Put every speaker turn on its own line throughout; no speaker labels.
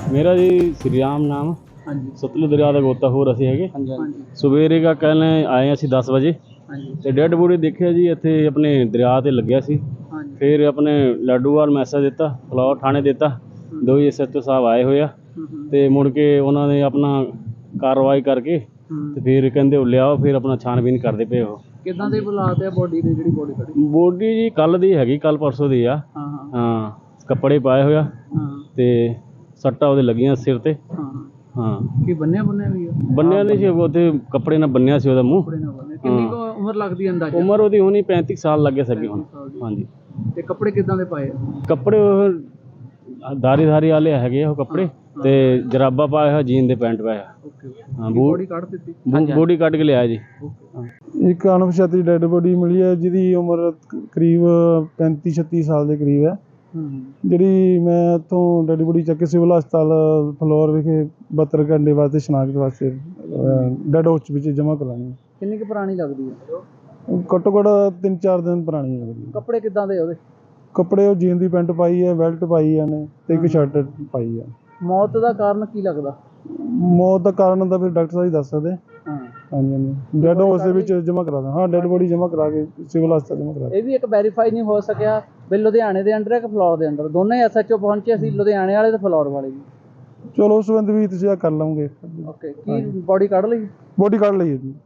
मेरा जी श्री राम नाम
ਹਾਂਜੀ
सतलुज दरिया का गोताखोर ਅਸੀਂ ਹੈਗੇ।
ਹਾਂਜੀ
ਸਵੇਰੇ ਕਾ ਕਹਿੰਦੇ ਆਏ ਅਸੀਂ 10 ਵਜੇ
ਹਾਂਜੀ
ਤੇ ਡੈੱਡ ਬੋਡੀ ਦੇਖਿਆ ਜੀ ਇੱਥੇ ਆਪਣੇ ਦਰਿਆ ਤੇ ਲੱਗਿਆ ਸੀ।
ਹਾਂਜੀ
ਫਿਰ ਆਪਣੇ ਲਾਡੂਵਾਲ ਮੈਸੇਜ ਦਿੱਤਾ, ਫਲੋਰ ਥਾਣੇ ਦਿੱਤਾ, ਦੋ ਹੀ SHO ਸਾਹਿਬ ਆਏ ਹੋਏ ਆ ਤੇ ਮੁੜ ਕੇ ਉਹਨਾਂ ਨੇ ਆਪਣਾ ਕਾਰਵਾਈ ਕਰਕੇ ਤੇ ਫਿਰ ਕਹਿੰਦੇ ਉਹ ਲਿਆਓ, ਫਿਰ ਆਪਣਾ ਛਾਣਬੀਨ ਕਰਦੇ ਪਏ ਉਹ।
ਕਿੱਦਾਂ ਦੇ ਹਾਲਾਤ ਆ ਬੋਡੀ ਦੇ, ਜਿਹੜੀ ਬੋਡੀ ਖੜੀ?
ਬੋਡੀ ਜੀ ਕੱਲ ਦੀ ਹੈਗੀ, ਕੱਲ ਪਰਸੋਂ ਦੀ ਆ।
ਹਾਂ ਹਾਂ
ਹਾਂ, ਕੱਪੜੇ ਪਾਏ ਹੋਇਆ
ਹਾਂ
ਤੇ ਸੱਟਾਂ ਉਹਦੇ ਲੱਗੀਆਂ ਸਿਰ ਤੇ।
ਹਾਂ
ਹਾਂ,
ਕੀ ਬੰਨਿਆ ਵੀ ਆ?
ਬੰਨਿਆ ਨਹੀਂ ਸੀ, ਉੱਥੇ ਕੱਪੜੇ ਨਾਲ ਬੰਨਿਆ ਸੀ ਉਹਦਾ ਮੂੰਹ।
ਕੱਪੜੇ ਨਾਲ ਬੰਨਿਆ। ਕਿੰਨੀ ਕੁ ਉਮਰ ਲੱਗਦੀ ਅੰਦਾਜ਼ਾ?
ਉਮਰ ਉਹਦੀ ਹੋਣੀ 35 ਸਾਲ ਲੱਗੇ ਸਕੇ ਹੁਣ।
35 ਸਾਲ ਦੀ।
ਹਾਂਜੀ,
ਤੇ ਕੱਪੜੇ ਕਿੱਦਾਂ ਦੇ ਪਾਏ ਆ?
ਕੱਪੜੇ ਉਹ ਧਾਰੀ ਵਾਲੇ ਹੈਗੇ ਉਹ ਕੱਪੜੇ ਤੇ ਜਰਾਬਾ ਪਾਇਆ ਹੋਇਆ, ਜੀਨ ਦੇ ਪੈਂਟ ਪਾਇਆ।
ਓਕੇ
ਹਾਂ,
ਬੋਡੀ ਕੱਢ ਦਿੱਤੀ?
ਬੋਡੀ ਕੱਢ ਕੇ ਲਿਆਇਆ ਜੀ।
ਇੱਕ ਅਣਪਛਾਤੀ ਡੈੱਡ ਬੋਡੀ ਮਿਲੀ ਹੈ ਜਿਹਦੀ ਉਮਰ ਕਰੀਬ 35-36 ਸਾਲ ਦੇ ਕਰੀਬ ਹੈ। ਜਿਹੜੀ ਮੈਂ ਇੱਥੋਂ ਡੈੱਡ ਬੋਡੀ ਚੱਕ ਕੇ ਸਿਵਲ ਹਸਪਤਾਲ ਫਲੋਰ ਵਿਖੇ 72 ਘੰਟੇ ਵਾਸਤੇ ਸ਼ਨਾਖਤ ਵਾਸਤੇ ਡੈੱਡ ਹਾਊਸ ਵਿੱਚ ਜਮ੍ਹਾਂ ਕਰਾਉਣੀ ਹੈ।
ਕਿੰਨੀ ਕੁ ਪੁਰਾਣੀ ਲੱਗਦੀ ਹੈ?
ਘੱਟੋ ਘੱਟ 3-4 ਦਿਨ ਪੁਰਾਣੀ ਹੈ।
ਕੱਪੜੇ ਕਿੱਦਾਂ ਦੇ ਉਹਦੇ?
ਕੱਪੜੇ ਉਹ ਜੀਨ ਦੀ ਪੈਂਟ ਪਾਈ ਹੈ, ਬੈਲਟ ਪਾਈ ਹੈ ਨੇ ਤੇ ਇੱਕ ਸ਼ਰਟ ਪਾਈ ਹੈ।
ਮੌਤ ਦਾ ਕਾਰਨ ਕੀ ਲੱਗਦਾ?
ਮੌਤ ਦਾ ਕਾਰਨ ਤਾਂ ਫਿਰ ਡਾਕਟਰ ਸਾਹਿਬ ਹੀ ਦੱਸ ਸਕਦੇ।
ਹਾਂ
ਹਾਂਜੀ ਹਾਂਜੀ, ਡੈੱਡ ਹਾਊਸ ਦੇ ਵਿੱਚ ਜਮ੍ਹਾਂ ਕਰਾ ਦਾਂ। ਹਾਂ, ਡੈੱਡ ਬੋਡੀ ਜਮ੍ਹਾਂ ਕਰਾ ਕੇ ਸਿਵਲ ਹਸਪਤਾਲ ਜਮ੍ਹਾਂ ਕਰਾ।
ਇਹ ਵੀ ਇੱਕ ਵੈਰੀਫਾਈ ਨਹੀਂ ਹੋ ਸਕਿਆ ਵੀ ਲੁਧਿਆਣੇ ਦੇ ਅੰਡਰ ਹੈ ਕਿ ਫਲੋਰ ਦੇ ਅੰਡਰ? ਦੋਨੇ SHO ਪਹੁੰਚੇ ਸੀ, ਲੁਧਿਆਣੇ ਵਾਲੇ ਤੇ ਫਲੋਰ ਵਾਲੇ ਵੀ।
ਚਲੋ ਉਸ ਸੰਬੰਧ ਵੀ ਤੁਸੀਂ ਕਰ ਲਵਾਂਗੇ।
ਓਕੇ, ਕੀ ਬੋਡੀ ਕੱਢ ਲਈ?
ਬੋਡੀ ਕੱਢ ਲਈ ਹੈ ਜੀ।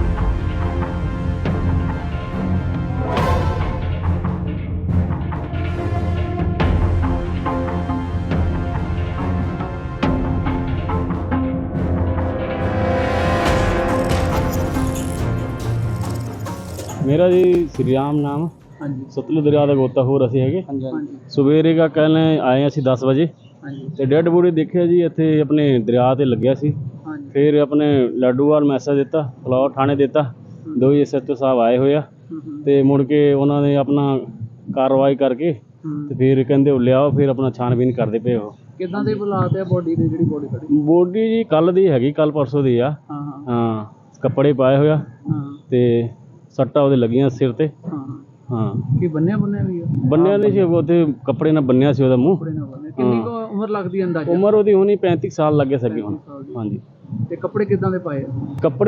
ਮੇਰਾ ਜੀ श्री राम नाम
ਹਾਂਜੀ
ਸਤਲੁਜ ਦਰਿਆ ਦਾ ਗੋਤਾਖੋਰ ਅਸੀਂ ਹੈਗੇ।
ਹਾਂਜੀ
ਸਵੇਰੇ ਕਾ ਕਹਿੰਦੇ ਆਏ ਅਸੀਂ 10 ਵਜੇ
ਹਾਂਜੀ
ਤੇ ਡੈੱਡ ਬੋਡੀ ਦੇਖਿਆ ਜੀ ਇੱਥੇ ਆਪਣੇ ਦਰਿਆ ਤੇ ਲੱਗਿਆ ਸੀ।
ਹਾਂਜੀ
ਫਿਰ ਆਪਣੇ ਲਾਡੂਵਾਲ ਮੈਸੇਜ ਦਿੱਤਾ, ਫਲੋਰ ਥਾਣੇ ਦਿੱਤਾ, ਦੋ ਹੀ SHO ਸਾਹਿਬ ਆਏ ਹੋਏ ਆ ਤੇ ਮੁੜ ਕੇ ਉਹਨਾਂ ਨੇ ਆਪਣਾ ਕਾਰਵਾਈ ਕਰਕੇ ਤੇ ਫਿਰ ਕਹਿੰਦੇ ਉਹ ਲਿਆਓ, ਫਿਰ ਆਪਣਾ ਛਾਣਬੀਨ ਕਰਦੇ ਪਏ ਉਹ।
ਕਿੱਦਾਂ ਦੇ ਹਾਲਾਤ ਆ ਬੋਡੀ ਦੇ, ਜਿਹੜੀ ਬੋਡੀ ਖੜੀ?
ਬੋਡੀ ਜੀ ਕੱਲ ਦੀ ਹੈਗੀ, ਕੱਲ ਪਰਸੋਂ ਦੀ ਆ।
ਹਾਂ ਹਾਂ
ਹਾਂ, ਕੱਪੜੇ ਪਾਏ ਹੋਇਆ
ਹਾਂ
ਤੇ ਸੱਟਾਂ ਉਹਦੇ ਲੱਗੀਆਂ ਸਿਰ ਤੇ।
ਹਾਂ
ਹਾਂ,
ਕੀ ਬੰਨਿਆ ਵੀ ਆ?
ਬੰਨਿਆ ਨਹੀਂ ਸੀ, ਉੱਥੇ ਕੱਪੜੇ ਨਾਲ ਬੰਨਿਆ ਸੀ ਉਹਦਾ ਮੂੰਹ।
ਕੱਪੜੇ ਨਾਲ ਬੰਨਿਆ। ਕਿੰਨੀ ਕੁ ਉਮਰ ਲੱਗਦੀ ਅੰਦਾਜ਼ਾ?
ਉਮਰ ਉਹਦੀ ਹੋਣੀ 35 ਸਾਲ ਲੱਗੇ ਸਕੇ ਹੁਣ।
35 ਸਾਲ ਦੀ।
ਹਾਂਜੀ,
ਤੇ ਕੱਪੜੇ ਕਿੱਦਾਂ ਦੇ ਪਾਏ ਆ?
ਕੱਪੜੇ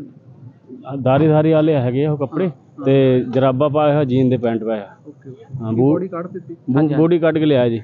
ਉਹ ਧਾਰੀ ਵਾਲੇ ਹੈਗੇ ਉਹ ਕੱਪੜੇ ਤੇ ਜਰਾਬਾ ਪਾਇਆ ਹੋਇਆ, ਜੀਨ ਦੇ ਪੈਂਟ ਪਾਇਆ।
ਓਕੇ
ਹਾਂ,
ਬੋਡੀ ਕੱਢ ਦਿੱਤੀ?
ਬੋਡੀ ਕੱਢ ਕੇ ਲਿਆਇਆ ਜੀ।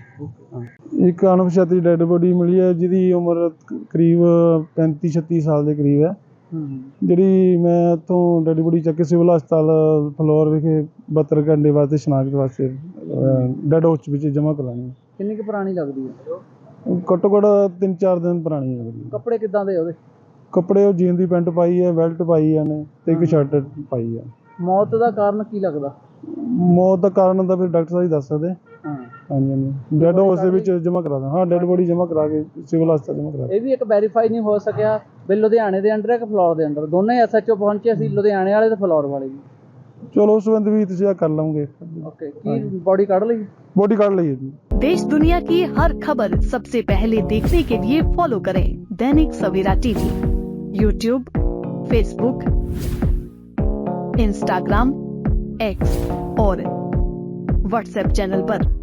ਇੱਕ ਅਣਪਛਾਤੀ ਡੈੱਡ ਬੋਡੀ ਮਿਲੀ ਹੈ ਜਿਹਦੀ ਉਮਰ ਕਰੀਬ 35-36 ਸਾਲ ਦੇ ਕਰੀਬ ਹੈ। ਜਿਹੜੀ ਮੈਂ ਇੱਥੋਂ ਡੈੱਡ ਬੋਡੀ ਚੱਕ ਕੇ ਸਿਵਲ ਹਸਪਤਾਲ ਫਲੋਰ ਵਿਖੇ 72 ਘੰਟੇ ਵਾਸਤੇ ਸ਼ਨਾਖਤ ਵਾਸਤੇ ਡੈੱਡ ਹਾਊਸ ਵਿੱਚ ਜਮ੍ਹਾਂ ਕਰਾਉਣੀ ਹੈ।
ਕਿੰਨੀ ਕੁ ਪੁਰਾਣੀ ਲੱਗਦੀ ਹੈ?
ਘੱਟੋ ਘੱਟ 3-4 ਦਿਨ ਪੁਰਾਣੀ ਹੈ।
ਕੱਪੜੇ ਕਿੱਦਾਂ ਦੇ ਉਹਦੇ?
ਕੱਪੜੇ ਉਹ ਜੀਨ ਦੀ ਪੈਂਟ ਪਾਈ ਹੈ, ਬੈਲਟ ਪਾਈ ਹੈ ਨੇ ਤੇ ਇੱਕ ਸ਼ਰਟ ਪਾਈ ਹੈ।
ਮੌਤ ਦਾ ਕਾਰਨ ਕੀ ਲੱਗਦਾ?
ਮੌਤ ਦਾ ਕਾਰਨ ਤਾਂ ਫਿਰ ਡਾਕਟਰ ਸਾਹਿਬ ਹੀ ਦੱਸ ਸਕਦੇ।
ਹਾਂ
ਹਾਂਜੀ ਹਾਂਜੀ, ਡੈੱਡ ਹਾਊਸ ਦੇ ਵਿੱਚ ਜਮ੍ਹਾਂ ਕਰਾ ਦਾਂ। ਹਾਂ, ਡੈੱਡ ਬੋਡੀ ਜਮ੍ਹਾਂ ਕਰਾ ਕੇ ਸਿਵਲ ਹਸਪਤਾਲ ਜਮ੍ਹਾਂ ਕਰਾ।
ਇਹ ਵੀ ਇੱਕ ਵੈਰੀਫਾਈ ਨਹੀਂ ਹੋ ਸਕਿਆ ਵੀ ਲੁਧਿਆਣੇ ਦੇ ਅੰਡਰ ਹੈ ਕਿ ਫਲੋਰ ਦੇ ਅੰਡਰ? ਦੋਨੇ SHO ਪਹੁੰਚੇ ਸੀ, ਲੁਧਿਆਣੇ ਵਾਲੇ ਤੇ ਫਲੋਰ ਵਾਲੇ ਵੀ।
ਚਲੋ ਉਸ ਸੰਬੰਧ ਵੀ ਤੁਸੀਂ ਕਰ ਲਵਾਂਗੇ।
ਓਕੇ, ਕੀ ਬੋਡੀ ਕੱਢ ਲਈ?
ਬੋਡੀ ਕੱਢ ਲਈ ਹੈ ਜੀ।
देश दुनिया की हर खबर सबसे पहले देखने के लिए फॉलो करें Dainik Savera TV, YouTube, Facebook, Instagram, X और WhatsApp चैनल पर।